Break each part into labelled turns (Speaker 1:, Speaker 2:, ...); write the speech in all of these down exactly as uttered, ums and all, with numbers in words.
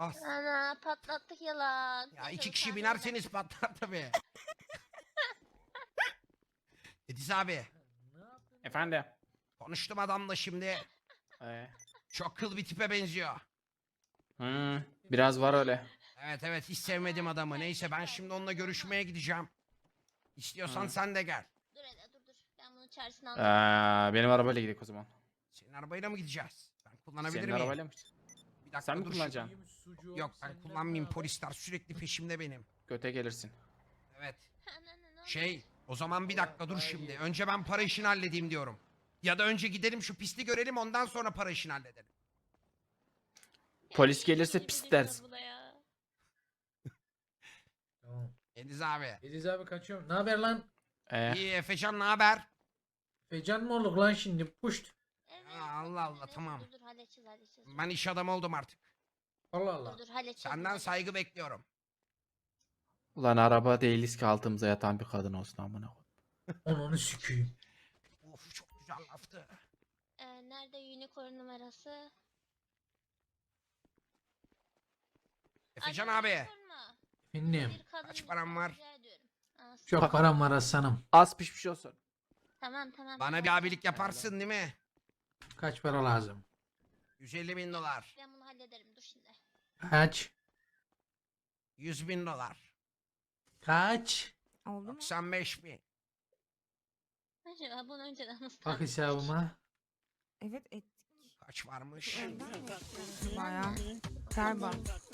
Speaker 1: Bas.
Speaker 2: Ana patlattık yalan.
Speaker 1: Ya
Speaker 2: Neyse,
Speaker 1: iki
Speaker 2: bu
Speaker 1: kişi
Speaker 2: tahmin
Speaker 1: binerseniz patlar tabii. Ediz abi.
Speaker 3: Efendim.
Speaker 1: Konuştum adamla şimdi.
Speaker 3: Ee,
Speaker 1: Çok kıl bir tipe benziyor.
Speaker 3: hmm, biraz var öyle.
Speaker 1: Evet evet hiç sevmedim adamı. Neyse ben şimdi onunla görüşmeye gideceğim. İstiyorsan
Speaker 3: Hı.
Speaker 1: sen de gel.
Speaker 2: Dur hele dur dur. Ben bunu çaresini anlatayım.
Speaker 3: Ee, benim arabayla gidelim o zaman.
Speaker 1: Senin arabayla mı gideceğiz? Ben kullanabilir
Speaker 3: Senin
Speaker 1: miyim?
Speaker 3: arabayla mı?
Speaker 1: Bir dakika
Speaker 3: Sen mi
Speaker 1: dur.
Speaker 3: kullanacaksın?
Speaker 1: Yok ben kullanmayayım. Polisler sürekli peşimde benim.
Speaker 3: Göte gelirsin.
Speaker 1: Evet.
Speaker 2: Ana, ne oluyor?
Speaker 1: Şey o zaman bir dakika dur şimdi. Önce ben para işini halledeyim diyorum. Ya da önce gidelim şu pisti görelim ondan sonra para işini halledelim.
Speaker 3: Polis gelirse
Speaker 2: İyice
Speaker 3: pis
Speaker 2: biliyorlar
Speaker 3: dersin.
Speaker 2: bu da ya.
Speaker 4: Tamam.
Speaker 1: Ediz abi.
Speaker 4: Ediz abi kaçıyorum. Ne haber lan?
Speaker 3: Ee,
Speaker 1: İyi Efecan ne haber?
Speaker 4: Fecan mı olduk lan şimdi? Puşt.
Speaker 2: Evet.
Speaker 1: Aa, Allah Allah,
Speaker 2: evet.
Speaker 1: tamam.
Speaker 2: Dur dur halledeceğiz halledeceğiz.
Speaker 1: Ben iş adamı oldum artık.
Speaker 4: Allah Allah.
Speaker 2: Dur dur halledeceğiz.
Speaker 1: Senden
Speaker 2: bunları.
Speaker 1: saygı bekliyorum.
Speaker 3: ulan araba değiliz ki altımıza yatan bir kadın olsun amına koy.
Speaker 4: Onu süküyüm.
Speaker 1: Of çok güzel laftı.
Speaker 2: Ee, nerede unicorn numarası?
Speaker 1: Efecan
Speaker 2: Alo,
Speaker 1: abi.
Speaker 2: unicorn mu?
Speaker 4: Efendim.
Speaker 2: Bir kadın
Speaker 1: Kaç param
Speaker 2: lütfen,
Speaker 1: var?
Speaker 2: rica ediyorum. Aa,
Speaker 4: Çok param var aslanım.
Speaker 3: Az pişmiş olsun.
Speaker 2: Tamam tamam.
Speaker 1: Bana
Speaker 2: tamam.
Speaker 1: bir abilik yaparsın değil mi?
Speaker 4: Kaç para lazım?
Speaker 1: yüz elli bin dolar.
Speaker 2: Ben bunu hallederim dur şimdi.
Speaker 4: Kaç?
Speaker 1: yüz bin dolar.
Speaker 4: Kaç?
Speaker 5: Oldu mu?
Speaker 1: doksan beş bin.
Speaker 2: Acaba bunu önceden nasıl
Speaker 4: Bak
Speaker 2: tahmin
Speaker 4: hesabıma.
Speaker 5: Evet ettik.
Speaker 1: Kaç varmış?
Speaker 5: Önden mi yapıyoruz? Bayağı. Galiba.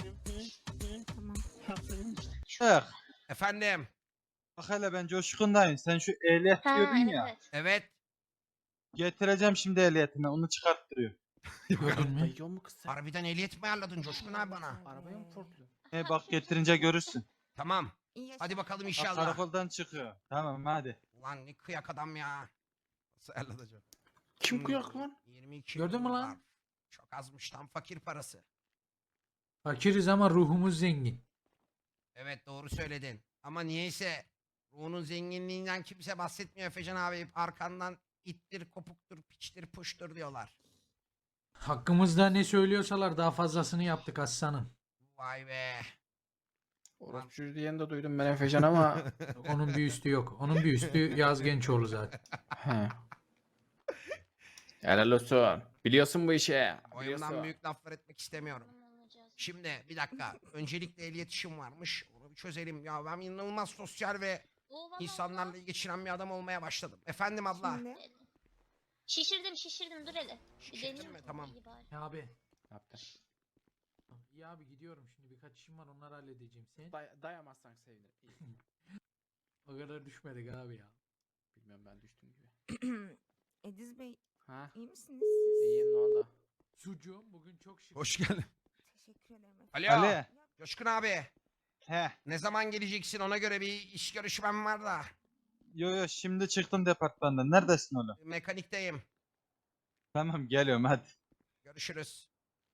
Speaker 5: Tamam.
Speaker 6: Bak,
Speaker 1: Efendim.
Speaker 6: bak hele ben coşkundayım. Sen şu ehliyet
Speaker 2: Ha,
Speaker 6: diyordun
Speaker 2: evet,
Speaker 6: ya.
Speaker 2: evet.
Speaker 1: Evet.
Speaker 6: Getireceğim şimdi ehliyetini. Onu çıkarttırıyor.
Speaker 4: Gördün mü?
Speaker 3: Dayıyor mu kız sen?
Speaker 1: Harbiden ehliyet mi ayarladın Coşkun abi bana?
Speaker 3: Arabaya mı torpluyor?
Speaker 6: He bak getirince görürsün.
Speaker 1: Tamam.
Speaker 5: İyi yaşa.
Speaker 1: Hadi bakalım
Speaker 6: Bak
Speaker 1: inşallah.
Speaker 6: karakoldan çıkıyor. Tamam hadi.
Speaker 1: Ulan ne kıyak adam ya. Nasıl ayarlatacağım?
Speaker 3: Kim
Speaker 1: Hmm,
Speaker 3: kuyak lan?
Speaker 1: yirmi iki
Speaker 4: Gördün
Speaker 1: bin
Speaker 4: mü lan?
Speaker 1: dolar. Çok azmış tam fakir parası.
Speaker 4: Fakiriz ama ruhumuz zengin.
Speaker 1: Evet doğru söyledin. Ama niyeyse ruhunun zenginliğinden kimse bahsetmiyor Efecan abi. Hep arkandan ittir, kopuktur, piçtir, puştur diyorlar.
Speaker 4: Hakkımızda ne söylüyorsalar daha fazlasını yaptık aslanım.
Speaker 1: Vay be.
Speaker 3: Orospu diyen de duydum ben Efecan ama.
Speaker 4: Onun bir üstü yok. Onun bir üstü Yaz Gençoğlu zaten.
Speaker 3: He. Helal olsun. Biliyorsun bu işi.
Speaker 1: Boyumdan
Speaker 3: Biliyorsun.
Speaker 1: büyük laflar etmek istemiyorum.
Speaker 2: Bunu alacağız.
Speaker 1: Şimdi bir dakika. Öncelikle ehliyet işim varmış. Onu bir çözelim. Ya ben inanılmaz sosyal ve
Speaker 2: Oo, vallahi
Speaker 1: insanlarla iyi geçinen bir adam olmaya başladım. Efendim abla.
Speaker 5: Şimdi
Speaker 2: Şişirdim şişirdim dur hele. Bir
Speaker 1: Şişirdin
Speaker 2: deneyeyim
Speaker 1: mi?
Speaker 2: mi?
Speaker 1: Tamam.
Speaker 2: İyi bari.
Speaker 4: Ya abi.
Speaker 3: Ne yaptın?
Speaker 4: İyi abi gidiyorum şimdi birkaç işim var onları halledeceğim. Sen
Speaker 3: Day dayamazsan sevinirim. İyi.
Speaker 4: o kadar düşmedik abi ya.
Speaker 3: Bilmiyorum ben düştüm gibi.
Speaker 5: Ediz Bey
Speaker 3: Ha?
Speaker 5: iyi misiniz siz?
Speaker 3: İyiyim ne oldu?
Speaker 4: Sucuğum bugün çok şık.
Speaker 1: Hoş geldin.
Speaker 5: Teşekkür ederim. efendim.
Speaker 1: Alo.
Speaker 6: Ali.
Speaker 1: Coşkun abi.
Speaker 6: He.
Speaker 1: Ne zaman geleceksin ona göre bir iş görüşmem var da.
Speaker 6: Yo yo şimdi çıktım departmandan. Neredesin oğlum?
Speaker 1: Mekanikteyim.
Speaker 6: Tamam geliyorum hadi.
Speaker 1: Görüşürüz.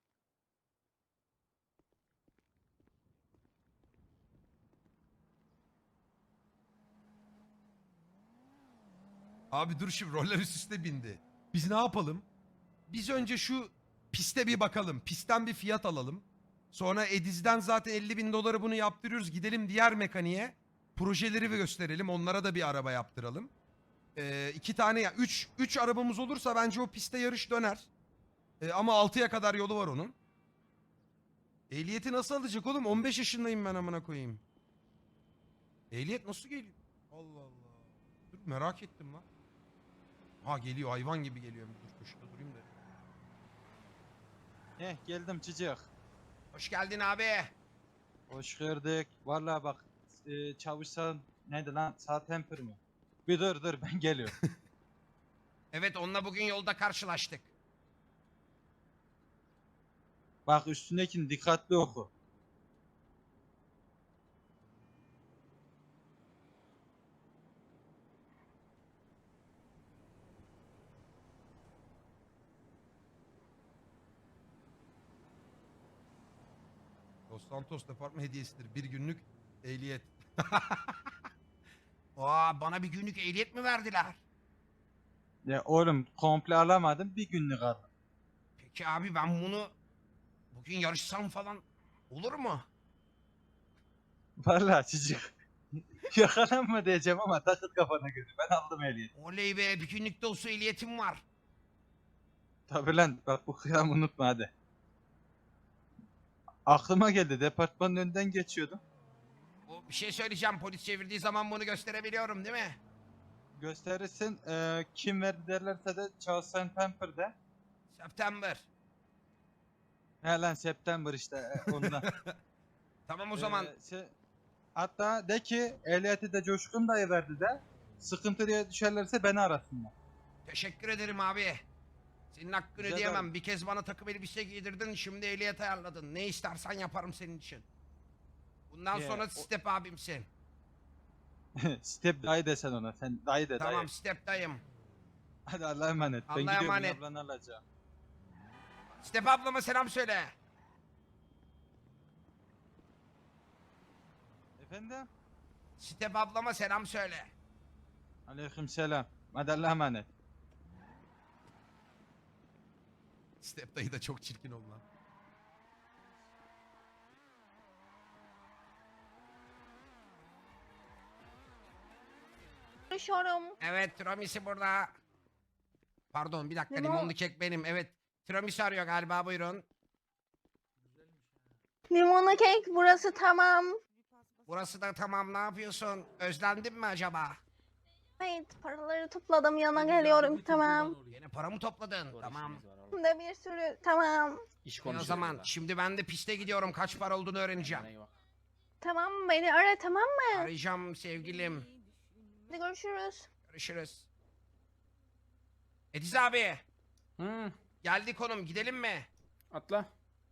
Speaker 7: Abi dur şimdi roller üst üste bindi. Biz ne yapalım? Biz önce şu piste bir bakalım. Pistten bir fiyat alalım. Sonra Ediz'den zaten elli bin doları bunu yaptırıyoruz. Gidelim diğer mekaniğe. Projeleri bir gösterelim. Onlara da bir araba yaptıralım. Ee, iki tane ya. Üç, üç arabamız olursa bence o piste yarış döner. Ee, ama altıya kadar yolu var onun. Ehliyeti nasıl alacak oğlum? on beş yaşındayım ben amına koyayım. Ehliyet nasıl geliyor? Allah Allah. Dur merak ettim lan. Ha geliyor hayvan gibi geliyor. Dur köşede durayım da.
Speaker 6: He geldim çocuk.
Speaker 1: Hoş geldin abi.
Speaker 6: Hoş gördük. Vallahi bak e, çavuşsan neydi lan? Sağ temper mi? Bir dur dur ben geliyorum.
Speaker 1: Evet onunla bugün yolda karşılaştık.
Speaker 6: Bak üstündekini dikkatli oku.
Speaker 7: Los Santos Departman hediyesidir. Bir günlük ehliyet.
Speaker 1: Aa, bana bir günlük ehliyet mi verdiler?
Speaker 6: Ya oğlum komple alamadım bir günlük aldım.
Speaker 1: Peki abi ben bunu bugün yarışsam falan Olur mu?
Speaker 6: Vallahi çocuk. Yakalanma diyeceğim ama takıt kafana göre. Ben aldım ehliyet.
Speaker 1: Oley be, bir günlük de olsa ehliyetim var.
Speaker 6: Tabi lan bak bu kıyamı unutma hadi. Aklıma geldi, departmanın önünden geçiyordum.
Speaker 1: O, bir şey söyleyeceğim, polis çevirdiği zaman bunu gösterebiliyorum değil mi?
Speaker 6: Gösterirsin, eee, kim verdi derlerse de Charles Saint Pamper'de.
Speaker 1: September.
Speaker 6: He lan September işte e, ondan.
Speaker 1: Tamam o zaman.
Speaker 6: Ee, şey- hatta de ki ehliyeti de Coşkun dayı verdi de sıkıntı diye düşerlerse beni arasınlar.
Speaker 1: Teşekkür ederim abi. Senin hakkını
Speaker 6: Rica
Speaker 1: ödeyemem.
Speaker 6: ederim.
Speaker 1: Bir kez bana takım elbise giydirdin, şimdi ehliyet ayarladın. Ne istersen yaparım senin için. Bundan
Speaker 6: Ye,
Speaker 1: sonra
Speaker 6: o-
Speaker 1: step abimsin.
Speaker 6: Step dayı desen ona, sen dayı de
Speaker 1: Tamam
Speaker 6: dayı.
Speaker 1: step dayım.
Speaker 6: Hadi Allah'a emanet.
Speaker 1: Allah'a
Speaker 6: ben gidiyorum
Speaker 1: emanet.
Speaker 6: ablanı alacağım.
Speaker 1: Step ablama selam söyle.
Speaker 6: Efendim?
Speaker 1: Step ablama selam söyle.
Speaker 6: Aleyküm selam. Hadi Allah'a emanet.
Speaker 7: Step dayı da çok çirkin oldu lan.
Speaker 2: Konuşuyorum.
Speaker 1: Evet tiramisu burada. Pardon bir dakika
Speaker 2: Limon-
Speaker 1: limonlu kek benim. Evet tiramisu arıyor galiba, buyurun.
Speaker 2: Limonlu kek burası tamam.
Speaker 1: Burası da tamam, ne yapıyorsun? Özlendin mi acaba?
Speaker 2: Evet paraları topladım yana geliyorum tamam.
Speaker 1: Yine para mı topladın? Tamam.
Speaker 2: Hem de bir sürü tamam.
Speaker 3: İş
Speaker 1: E o
Speaker 3: konuşuyoruz
Speaker 1: zaman
Speaker 3: burada.
Speaker 1: şimdi ben de piste gidiyorum. Kaç para olduğunu öğreneceğim.
Speaker 3: Kendine iyi bak.
Speaker 2: Tamam beni ara tamam mı?
Speaker 1: Arayacağım sevgilim.
Speaker 2: Hadi görüşürüz.
Speaker 1: Görüşürüz. Ediz abi.
Speaker 3: Hı,
Speaker 1: Geldik konum, gidelim mi?
Speaker 3: atla.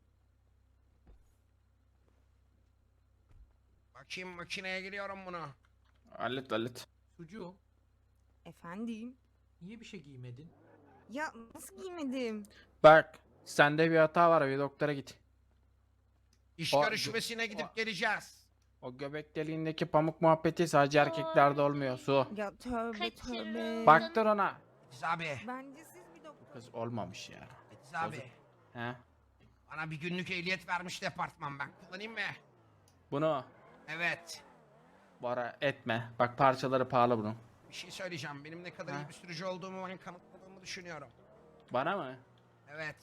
Speaker 1: Bakayım makineye giriyorum bunu.
Speaker 3: Hallet hallet.
Speaker 4: Sucu,
Speaker 5: Efendim?
Speaker 4: niye bir şey giymedin?
Speaker 5: Ya nasıl giymedim?
Speaker 3: Bak sende bir hata var, bir doktora git.
Speaker 1: İş
Speaker 3: O-
Speaker 1: görüşmesine gidip
Speaker 3: o-
Speaker 1: geleceğiz.
Speaker 3: O göbek deliğindeki pamuk muhabbeti sadece erkeklerde olmuyor Su.
Speaker 5: Ya tövbe
Speaker 2: Kaçırıldım.
Speaker 5: tövbe.
Speaker 3: Baktır ona.
Speaker 1: Ediz abi.
Speaker 5: Bence siz bir
Speaker 3: Bu
Speaker 5: doktor.
Speaker 3: kız olmamış ya.
Speaker 1: Ediz abi.
Speaker 3: He?
Speaker 1: Bana bir günlük ehliyet vermiş departman, ben kullanayım mı?
Speaker 3: Bunu
Speaker 1: Evet.
Speaker 3: bara etme. Bak parçaları pahalı bunun.
Speaker 1: Bir şey söyleyeceğim. Benim ne kadar
Speaker 3: Ha?
Speaker 1: iyi bir sürücü olduğumu ben kanıtladığımı düşünüyorum.
Speaker 3: Bana mı?
Speaker 1: Evet.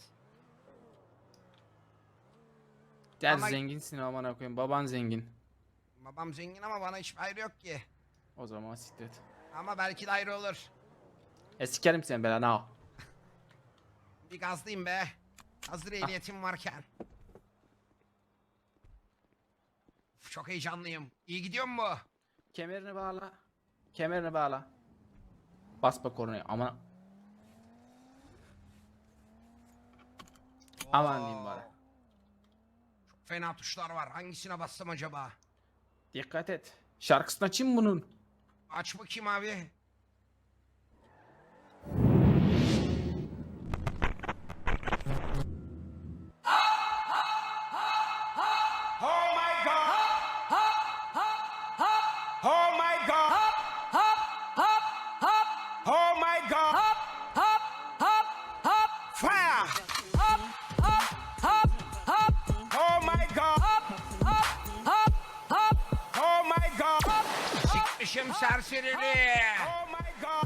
Speaker 3: Gel
Speaker 1: Ama-
Speaker 3: zenginsin aman koyayım. Baban zengin.
Speaker 1: Babam zengin ama bana hiçbir ayrı yok ki.
Speaker 3: O zaman siklet.
Speaker 1: Ama belki de ayrı olur.
Speaker 3: E sikerim seni belanı al.
Speaker 1: Bir gazlayayım be. Hazır ehliyetim varken. Uf, çok heyecanlıyım. İyi gidiyor mu?
Speaker 3: Kemerini bağla. Kemerini bağla. Basma kornaya ama. Aman diyeyim bari.
Speaker 1: Çok fena tuşlar var. Hangisine bassam acaba?
Speaker 3: Dikkat et. Şarkısını açayım bunun.
Speaker 1: Aç bakayım abi. Oh my god! Oh my god! Oh my god! Fire! Oh my god! Oh my god! Sikmişim serserili! Oh my god!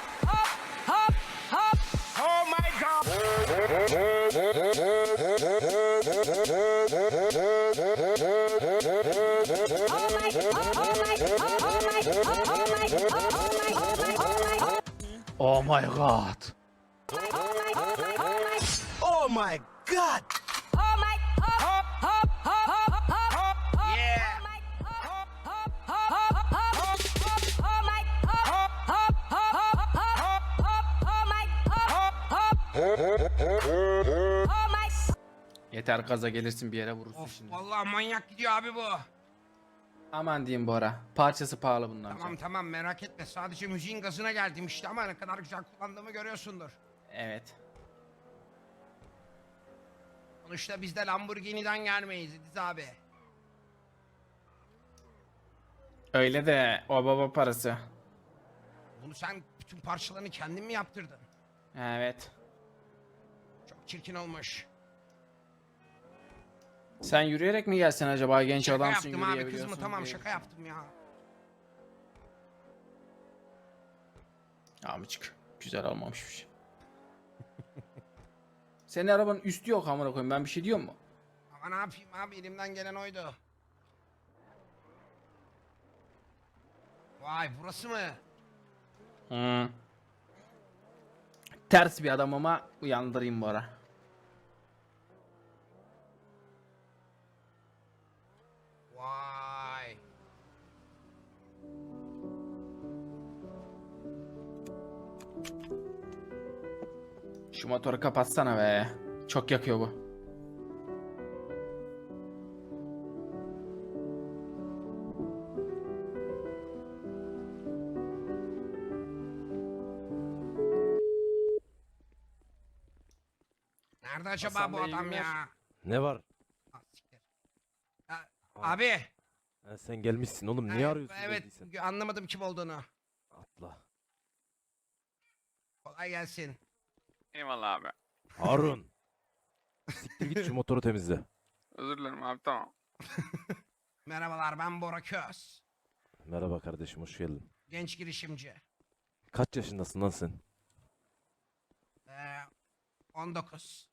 Speaker 1: Oh my god!
Speaker 3: Oh my god.
Speaker 1: Oh my god! Yeah!
Speaker 3: Yeter gaza gelirsin bir yere vurursun
Speaker 1: Of
Speaker 3: şimdi.
Speaker 1: vallahi manyak gidiyor abi bu.
Speaker 3: Aman diyeyim Bora. Parçası pahalı bundan
Speaker 1: Tamam
Speaker 3: sonra.
Speaker 1: tamam merak etme. Sadece müziğin gazına geldim işte ama ne kadar güzel kullandığımı görüyorsundur.
Speaker 3: Evet.
Speaker 1: Sonuçta biz de Lamborghini'den gelmeyiz Ediz abi.
Speaker 3: Öyle de o baba parası.
Speaker 1: Bunu sen bütün parçalarını kendin mi yaptırdın?
Speaker 3: Evet.
Speaker 1: Çok çirkin olmuş.
Speaker 3: Sen yürüyerek mi gelsen acaba, genç
Speaker 1: Şaka
Speaker 3: adamsın,
Speaker 1: yaptım abi
Speaker 3: yürüyebiliyorsun
Speaker 1: kızımı, tamam
Speaker 3: diye.
Speaker 1: şaka yaptım ya.
Speaker 3: Amcık güzel olmamışmış. Senin arabanın üstü yok amına koyayım, ben bir şey diyor mu?
Speaker 1: Ama ne yapayım abi, elimden gelen oydu. Vay burası mı?
Speaker 3: Hı. Ters bir adam ama uyandırayım bu ara.
Speaker 1: Vay.
Speaker 3: Şu motoru kapatsana be. Çok yakıyor bu.
Speaker 1: Nerede acaba
Speaker 3: Hasan
Speaker 1: bu
Speaker 3: Bey, iyi
Speaker 1: adam
Speaker 3: günler.
Speaker 1: ya?
Speaker 8: Ne var?
Speaker 1: Ah, siktir. Ha, abi.
Speaker 8: Ha, sen gelmişsin oğlum. Niye
Speaker 1: e,
Speaker 8: arıyorsun?
Speaker 1: Evet
Speaker 8: geldiysen?
Speaker 1: anlamadım kim olduğunu.
Speaker 8: Atla.
Speaker 1: Kolay gelsin.
Speaker 9: Eyvallah abi.
Speaker 8: Harun. Siktir git şu motoru temizle.
Speaker 9: Özür dilerim abi, tamam.
Speaker 1: Merhabalar, ben Bora Köz.
Speaker 8: Merhaba kardeşim, hoş geldin.
Speaker 1: Genç girişimci.
Speaker 8: Kaç yaşındasın lan sen?
Speaker 1: Ee, on dokuz.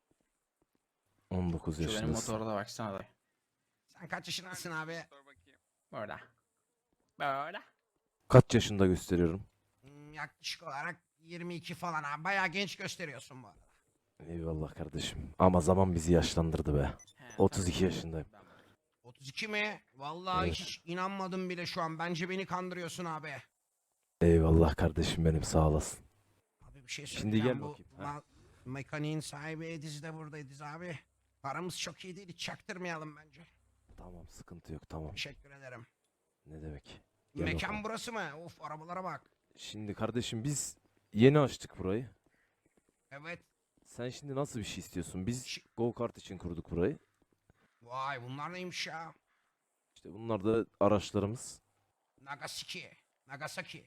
Speaker 8: on dokuz
Speaker 3: Şu benim
Speaker 8: yaşındasın.
Speaker 3: motora da baksana da.
Speaker 1: Sen kaç yaşındasın abi?
Speaker 9: Dur bakayım.
Speaker 3: Böyle. Böyle.
Speaker 8: Kaç yaşında gösteriyorum?
Speaker 1: Hmm, yaklaşık olarak yirmi iki falan abi. Bayağı genç gösteriyorsun bu arada.
Speaker 8: Eyvallah kardeşim. Ama zaman bizi yaşlandırdı be.
Speaker 3: He,
Speaker 8: otuz iki
Speaker 3: tabii.
Speaker 8: yaşındayım.
Speaker 1: otuz iki mi? Vallahi
Speaker 8: Evet.
Speaker 1: hiç inanmadım bile şu an. Bence beni kandırıyorsun abi.
Speaker 8: Eyvallah kardeşim benim, sağ olasın.
Speaker 1: Abi bir şey
Speaker 8: Şimdi
Speaker 1: söyleyeceğim.
Speaker 8: gel
Speaker 1: Bu
Speaker 8: bakayım, ha.
Speaker 1: ma- mekaniğin sahibi Ediz de burada, Ediz abi. Paramız çok iyi değil. Hiç çaktırmayalım bence.
Speaker 8: Tamam, sıkıntı yok, tamam.
Speaker 1: Teşekkür ederim.
Speaker 8: Ne demek? Gel
Speaker 1: Mekan
Speaker 8: bakalım.
Speaker 1: burası mı? Of, arabalara bak.
Speaker 8: Şimdi kardeşim biz yeni açtık burayı.
Speaker 1: Evet.
Speaker 8: Sen şimdi nasıl bir şey istiyorsun? Biz
Speaker 1: Şi-
Speaker 8: go kart için kurduk burayı.
Speaker 1: Vay, bunlar neymiş ya?
Speaker 8: İşte bunlar da araçlarımız.
Speaker 1: Nagasaki. Nagasaki.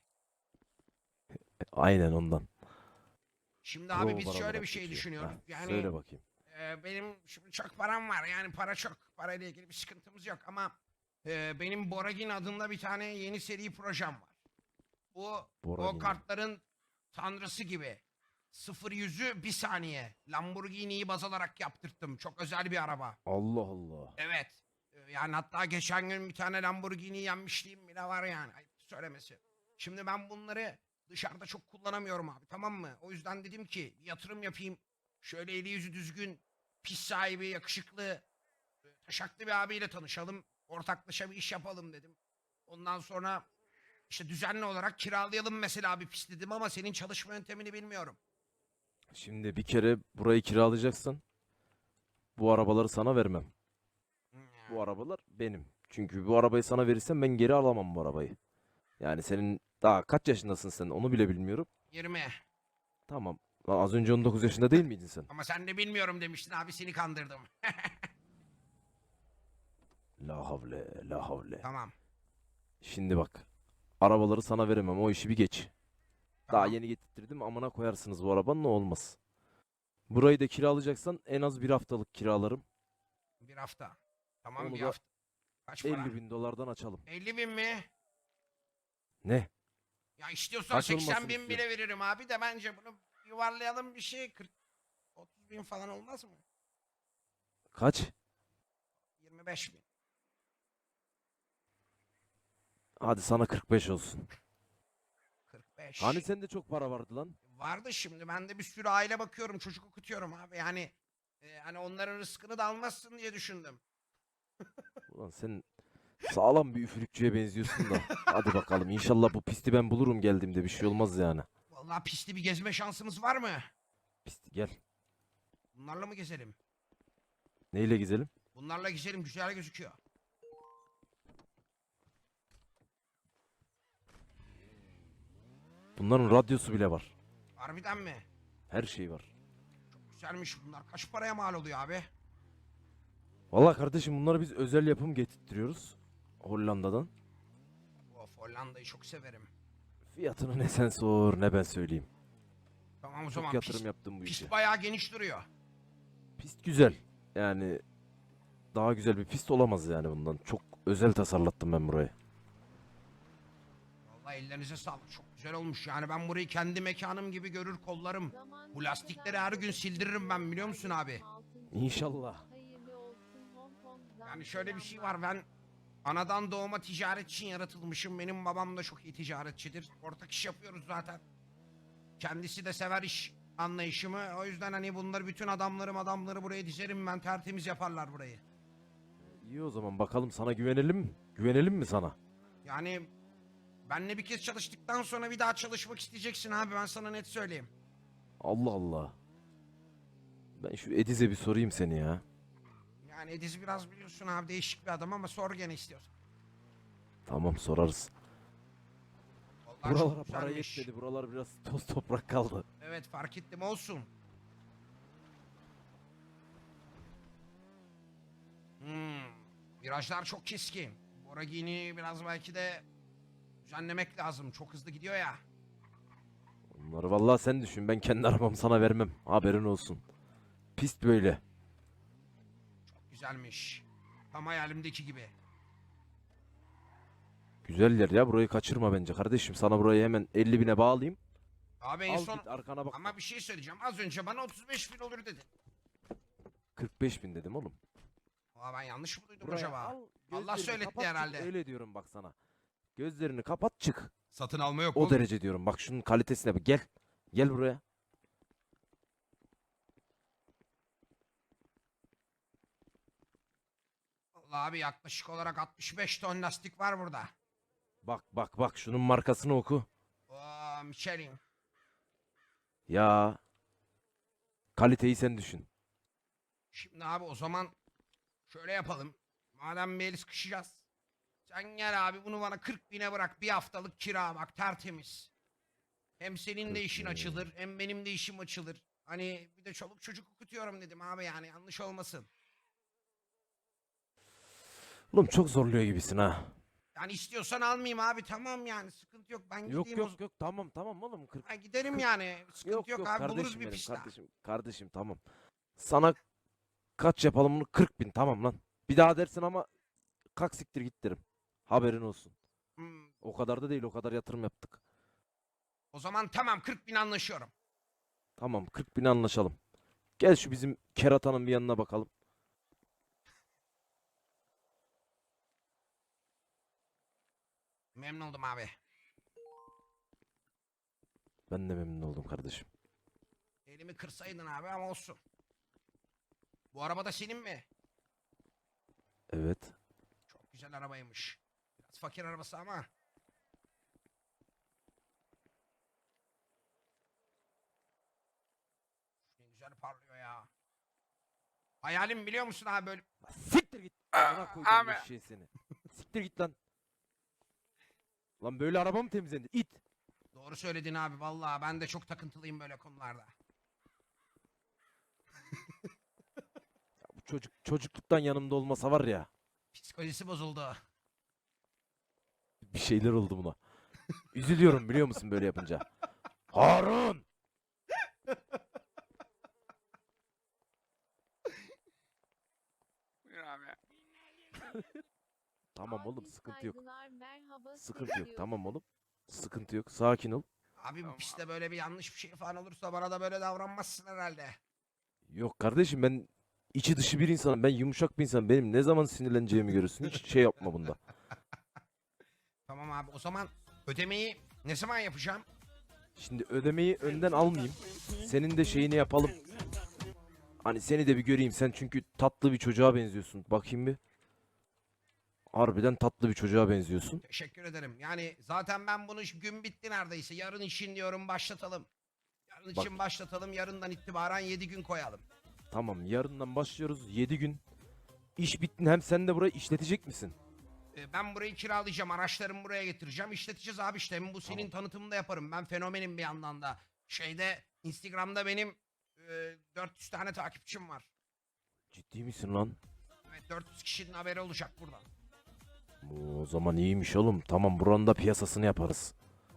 Speaker 8: Aynen ondan.
Speaker 1: Şimdi abi
Speaker 8: Pro
Speaker 1: biz
Speaker 8: para
Speaker 1: şöyle
Speaker 8: olarak
Speaker 1: bir şey
Speaker 8: geçiyor.
Speaker 1: düşünüyoruz.
Speaker 8: Heh,
Speaker 1: Yani
Speaker 8: Söyle bakayım.
Speaker 1: e, benim şimdi çok param var. Yani para çok. Parayla ilgili bir sıkıntımız yok ama e, benim Boragin adında bir tane yeni seri projem var. Bu o
Speaker 8: Boragin.
Speaker 1: kartların tanrısı gibi. Sıfır yüzü bir saniye. Lamborghini'yi baz alarak yaptırttım. Çok özel bir araba.
Speaker 8: Allah Allah.
Speaker 1: Evet. E, Yani hatta geçen gün bir tane Lamborghini yenmişliğim bile var yani. Ayıp söylemesi. Şimdi ben bunları dışarıda çok kullanamıyorum abi, tamam mı? O yüzden dedim ki bir yatırım yapayım. Şöyle eli yüzü düzgün, pis sahibi, yakışıklı, e, taşaklı bir abiyle tanışalım. Ortaklaşa bir iş yapalım dedim. Ondan sonra işte düzenli olarak kiralayalım mesela bir pis dedim ama senin çalışma yöntemini bilmiyorum.
Speaker 8: Şimdi bir kere burayı kiralayacaksan bu arabaları sana vermem. Bu arabalar benim. Çünkü bu arabayı sana verirsem ben geri alamam bu arabayı. Yani senin daha kaç yaşındasın sen, onu bile bilmiyorum.
Speaker 1: yirmi.
Speaker 8: Tamam. Lan az önce on dokuz yaşında değil miydin sen?
Speaker 1: Ama sen de bilmiyorum demiştin abi, seni kandırdım.
Speaker 8: La havle, la havle.
Speaker 1: Tamam.
Speaker 8: Şimdi bak. Arabaları sana veremem, o işi bir geç. Daha
Speaker 1: Tamam.
Speaker 8: yeni getirttirdim, amına koyarsınız bu arabanın, ne olmaz. Burayı da kiralayacaksan en az bir haftalık kiralarım.
Speaker 1: Bir hafta. Tamam,
Speaker 8: Onu
Speaker 1: bir
Speaker 8: da
Speaker 1: hafta. Kaç para?
Speaker 8: elli bin dolardan açalım.
Speaker 1: elli bin mi?
Speaker 8: Ne?
Speaker 1: Ya istiyorsan
Speaker 8: Kaç
Speaker 1: seksen
Speaker 8: olmasını
Speaker 1: bin bile
Speaker 8: istiyorsun?
Speaker 1: veririm abi de bence bunu yuvarlayalım bir şey. kırk otuz bin falan olmaz mı?
Speaker 8: Kaç?
Speaker 1: yirmi beş bin.
Speaker 8: Hadi sana kırk beş olsun.
Speaker 1: kırk beş.
Speaker 8: Hani sende çok para vardı lan?
Speaker 1: Vardı, şimdi ben de bir sürü aile bakıyorum, çocuk okutuyorum abi. Yani e, hani onların rızkını da almazsın diye düşündüm.
Speaker 8: Ulan sen sağlam bir üfürükçüye benziyorsun da. Hadi bakalım, inşallah bu pisti ben bulurum geldiğimde, bir şey olmaz yani.
Speaker 1: Vallahi pisli bir gezme şansımız var mı?
Speaker 8: Pisti gel.
Speaker 1: Bunlarla mı gezelim?
Speaker 8: Neyle gezelim?
Speaker 1: Bunlarla gezelim, güzel gözüküyor.
Speaker 8: Bunların radyosu bile var.
Speaker 1: Harbiden mi?
Speaker 8: Her şey var.
Speaker 1: Çok güzelmiş bunlar. Kaç paraya mal oluyor abi?
Speaker 8: Vallahi kardeşim bunları biz özel yapım getirtiyoruz. Hollanda'dan.
Speaker 1: Of, Hollanda'yı çok severim.
Speaker 8: Fiyatını ne sen sor ne ben söyleyeyim.
Speaker 1: Tamam o
Speaker 8: Çok
Speaker 1: zaman
Speaker 8: yatırım
Speaker 1: pist,
Speaker 8: yaptım bu işe.
Speaker 1: pist bayağı geniş duruyor.
Speaker 8: Pist güzel. Yani daha güzel bir pist olamaz yani bundan. Çok özel tasarlattım ben burayı.
Speaker 1: Vallahi ellerinize sağlık. Çok güzel olmuş. Yani ben burayı kendi mekanım gibi görür kollarım. Bu lastikleri her gün sildiririm ben, biliyor musun abi?
Speaker 8: İnşallah.
Speaker 1: Yani şöyle bir şey var, ben anadan doğma ticaret için yaratılmışım. Benim babam da çok iyi ticaretçidir. Ortak iş yapıyoruz zaten. Kendisi de sever iş anlayışımı. O yüzden hani bunları, bütün adamlarım adamları buraya dizerim ben, tertemiz yaparlar burayı.
Speaker 8: İyi o zaman bakalım, sana güvenelim mi? Güvenelim mi sana?
Speaker 1: Yani benle bir kez çalıştıktan sonra bir daha çalışmak isteyeceksin abi, ben sana net söyleyeyim.
Speaker 8: Allah Allah. Ben şu Ediz'e bir sorayım seni ya.
Speaker 1: Yani Ediz biraz biliyorsun abi, değişik bir adam, ama sor gene istiyorsan.
Speaker 8: Tamam, sorarız.
Speaker 1: Vallahi çok
Speaker 8: Buralara para
Speaker 1: güzelmiş.
Speaker 8: yetmedi. Buralar biraz toz toprak kaldı.
Speaker 1: Evet, fark ettim, olsun. Hmm, virajlar çok keskin. Boragini biraz belki de düzenlemek lazım. Çok hızlı gidiyor ya.
Speaker 8: Onları vallahi sen düşün. Ben kendi arabamı sana vermem. Haberin olsun. Pist böyle.
Speaker 1: Çok güzelmiş. Tam hayalimdeki gibi.
Speaker 8: Güzel yer ya. Burayı kaçırma bence kardeşim. Sana burayı hemen elli bine bağlayayım.
Speaker 1: Abi en
Speaker 8: Al
Speaker 1: son...
Speaker 8: git arkana bak.
Speaker 1: Ama bir şey söyleyeceğim. Az önce bana otuz beş bin olur dedi.
Speaker 8: kırk beş bin dedim oğlum.
Speaker 1: Aa, ben yanlış mı duydum
Speaker 8: Buraya
Speaker 1: acaba?
Speaker 8: al,
Speaker 1: Allah
Speaker 8: gözlerini
Speaker 1: söyletti
Speaker 8: kapat, çık.
Speaker 1: herhalde.
Speaker 8: Öyle diyorum bak sana. Gözlerini kapat çık.
Speaker 7: Satın alma yok
Speaker 8: O
Speaker 7: oğlum.
Speaker 8: derece diyorum. Bak şunun kalitesine bak. Gel. Gel buraya.
Speaker 1: Vallahi abi yaklaşık olarak altmış beş ton lastik var burada.
Speaker 8: Bak bak bak şunun markasını oku.
Speaker 1: Oo, Michelin.
Speaker 8: Ya. Kaliteyi sen düşün.
Speaker 1: Şimdi abi o zaman şöyle yapalım. Madem bir el sıkışacağız. Sen gel abi, bunu bana kırk bine bırak. Bir haftalık kira, bak tertemiz. Hem senin de
Speaker 8: kırk
Speaker 1: işin
Speaker 8: bin.
Speaker 1: açılır, hem benim de işim açılır. Hani bir de çoluk çocuk okutuyorum dedim abi, yani yanlış olmasın.
Speaker 8: Oğlum çok zorluyor gibisin ha.
Speaker 1: Yani istiyorsan almayayım abi, tamam yani, sıkıntı yok. Ben
Speaker 8: Yok
Speaker 1: gideyim o
Speaker 8: yok yok tamam tamam oğlum. kırk
Speaker 1: Ha, giderim
Speaker 8: kırk-
Speaker 1: yani. Sıkıntı yok,
Speaker 8: Yok yok
Speaker 1: abi, buluruz
Speaker 8: kardeşim
Speaker 1: bir
Speaker 8: benim,
Speaker 1: pist daha.
Speaker 8: kardeşim kardeşim tamam. Sana kaç yapalım bunu? kırk bin tamam lan. Bir daha dersin ama kalk siktir git derim. Haberin olsun.
Speaker 1: Hmm,
Speaker 8: O kadar da değil, o kadar yatırım yaptık.
Speaker 1: o zaman tamam, kırk bin anlaşıyorum.
Speaker 8: Tamam kırk bine anlaşalım. Gel şu bizim keratanın bir yanına bakalım.
Speaker 1: Memnun oldum abi.
Speaker 8: Ben de memnun oldum kardeşim.
Speaker 1: Elimi kırsaydın abi, ama olsun. Bu araba da senin mi?
Speaker 8: Evet.
Speaker 1: Çok güzel arabaymış. Biraz fakir arabası ama. Ne güzel parlıyor ya. Hayalim, biliyor musun abi, böyle.
Speaker 8: Siktir git. Amına koydum
Speaker 9: abi.
Speaker 8: eşeği seni. Siktir git lan. Lan böyle araba mı temizlenir? İt.
Speaker 1: Doğru söyledin abi, vallahi ben de çok takıntılıyım böyle konularda.
Speaker 8: Bu çocuk çocukluktan yanımda olmasa var ya.
Speaker 1: Psikolojisi bozuldu.
Speaker 8: Bir şeyler oldu buna. Üzülüyorum biliyor musun böyle yapınca. Harun!
Speaker 9: Buyur abi.
Speaker 8: Tamam oğlum sıkıntı yok.
Speaker 10: Merhaba,
Speaker 8: Sıkıntı yok tamam oğlum. Sıkıntı yok. Sakin ol.
Speaker 1: Abi bu
Speaker 9: Tamam.
Speaker 1: pistte böyle bir yanlış bir şey falan olursa bana da böyle davranmazsın herhalde.
Speaker 8: Yok kardeşim ben içi dışı bir insanım. Ben yumuşak bir insanım. Benim ne zaman sinirleneceğimi görürsün. Hiç şey yapma bunda.
Speaker 1: Tamam abi, o zaman ödemeyi ne zaman yapacağım?
Speaker 8: Şimdi ödemeyi önden almayayım. Senin de şeyini yapalım. Hani seni de bir göreyim. Sen çünkü tatlı bir çocuğa benziyorsun. Bakayım bir. Harbiden tatlı bir çocuğa benziyorsun.
Speaker 1: Teşekkür ederim. Yani zaten ben bunu gün bitti neredeyse. Yarın için diyorum başlatalım. Yarın için
Speaker 8: Bak.
Speaker 1: başlatalım. Yarından itibaren yedi gün koyalım.
Speaker 8: Tamam yarından başlıyoruz. yedi gün. İş bitti. Hem sen de burayı işletecek misin?
Speaker 1: Ee, ben burayı kiralayacağım. Araçlarımı buraya getireceğim. İşleteceğiz abi işte. Hem bu senin tanıtımını da yaparım. Ben fenomenim bir yandan da. Şeyde Instagram'da benim e, dört yüz tane takipçim var.
Speaker 8: Ciddi misin lan?
Speaker 1: Evet, dört yüz kişinin haberi olacak buradan.
Speaker 8: O zaman iyiymiş oğlum. Tamam buranın da piyasasını yaparız.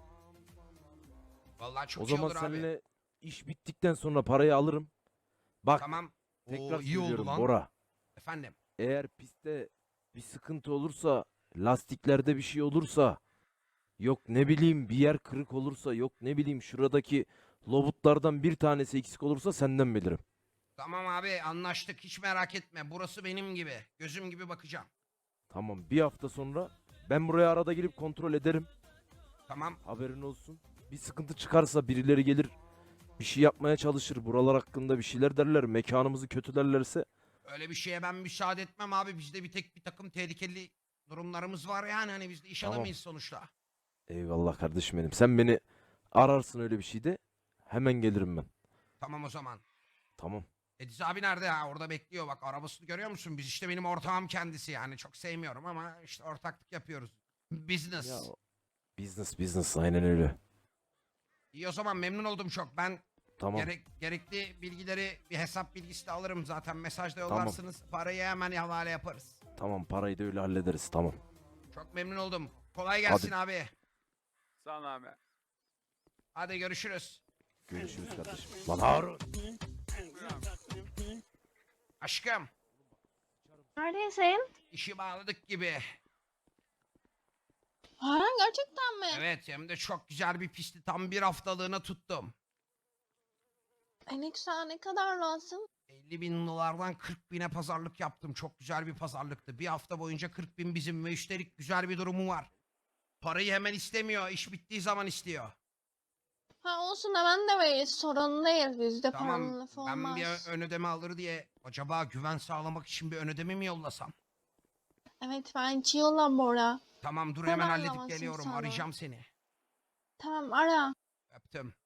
Speaker 1: Vallahi çok
Speaker 8: O
Speaker 1: iyi
Speaker 8: zaman
Speaker 1: olur abi.
Speaker 8: seninle iş bittikten sonra parayı alırım. Bak
Speaker 1: Tamam.
Speaker 8: tekrar
Speaker 7: Oo, iyi oldu
Speaker 8: söylüyorum
Speaker 7: lan.
Speaker 8: Bora.
Speaker 1: Efendim.
Speaker 8: eğer pistte bir sıkıntı olursa, lastiklerde bir şey olursa, yok ne bileyim bir yer kırık olursa, yok ne bileyim şuradaki lobutlardan bir tanesi eksik olursa senden bilirim.
Speaker 1: Tamam abi anlaştık hiç merak etme. Burası benim gibi. Gözüm gibi bakacağım.
Speaker 8: Tamam, bir hafta sonra ben buraya arada gelip kontrol ederim.
Speaker 1: Tamam.
Speaker 8: Haberin olsun. Bir sıkıntı çıkarsa birileri gelir, bir şey yapmaya çalışır. Buralar hakkında bir şeyler derler, mekanımızı kötülerlerse
Speaker 1: Öyle bir şeye ben müsaade etmem abi. Bizde bir tek bir takım tehlikeli durumlarımız var yani. Hani biz de iş
Speaker 8: Tamam.
Speaker 1: adamıyız sonuçta.
Speaker 8: eyvallah kardeşim benim. Sen beni ararsın öyle bir şeyde, hemen gelirim ben.
Speaker 1: Tamam o zaman.
Speaker 8: Tamam.
Speaker 1: Ediz abi nerede ha? Orada bekliyor bak. Arabasını görüyor musun? Biz işte benim ortağım kendisi yani. Çok sevmiyorum ama işte ortaklık yapıyoruz. Business.
Speaker 8: Ya business business aynen öyle.
Speaker 1: İyi o zaman memnun oldum çok. Ben
Speaker 8: Tamam.
Speaker 1: gerek, gerekli bilgileri bir hesap bilgisi de alırım zaten. Mesajda
Speaker 8: Tamam.
Speaker 1: yollarsınız. Parayı hemen havale yaparız.
Speaker 8: Tamam, parayı da öyle hallederiz, tamam.
Speaker 1: Çok memnun oldum. Kolay gelsin abi.
Speaker 9: Sağ ol abi.
Speaker 1: Hadi görüşürüz.
Speaker 8: Görüşürüz kardeşim. Lan Harun.
Speaker 1: Aşkım
Speaker 2: Neredesin?
Speaker 1: işi bağladık gibi.
Speaker 2: Haran gerçekten mi?
Speaker 1: Evet hem de çok güzel bir pisti tam bir haftalığına tuttum.
Speaker 2: E ne güzel, ne kadar lazım?
Speaker 1: elli bin dolardan kırk bine pazarlık yaptım. Çok güzel bir pazarlıktı. Bir hafta boyunca kırk bin bizim ve üstelik güzel bir durumu var. Parayı hemen istemiyor. İş bittiği zaman istiyor.
Speaker 2: Ha olsun, hemen de veririz. Sorun değil. Bizde paranın
Speaker 1: Tamam
Speaker 2: lafı
Speaker 1: ben
Speaker 2: olmaz.
Speaker 1: bir ö- ön ödeme alır diye acaba güven sağlamak için bir ön ödeme mi yollasam?
Speaker 2: Evet bence yolla Bora.
Speaker 1: Tamam dur
Speaker 2: Hemen
Speaker 1: hemen halledip
Speaker 2: yollamasın
Speaker 1: geliyorum.
Speaker 2: sana.
Speaker 1: Arayacağım seni.
Speaker 2: Tamam ara.
Speaker 1: Öptüm.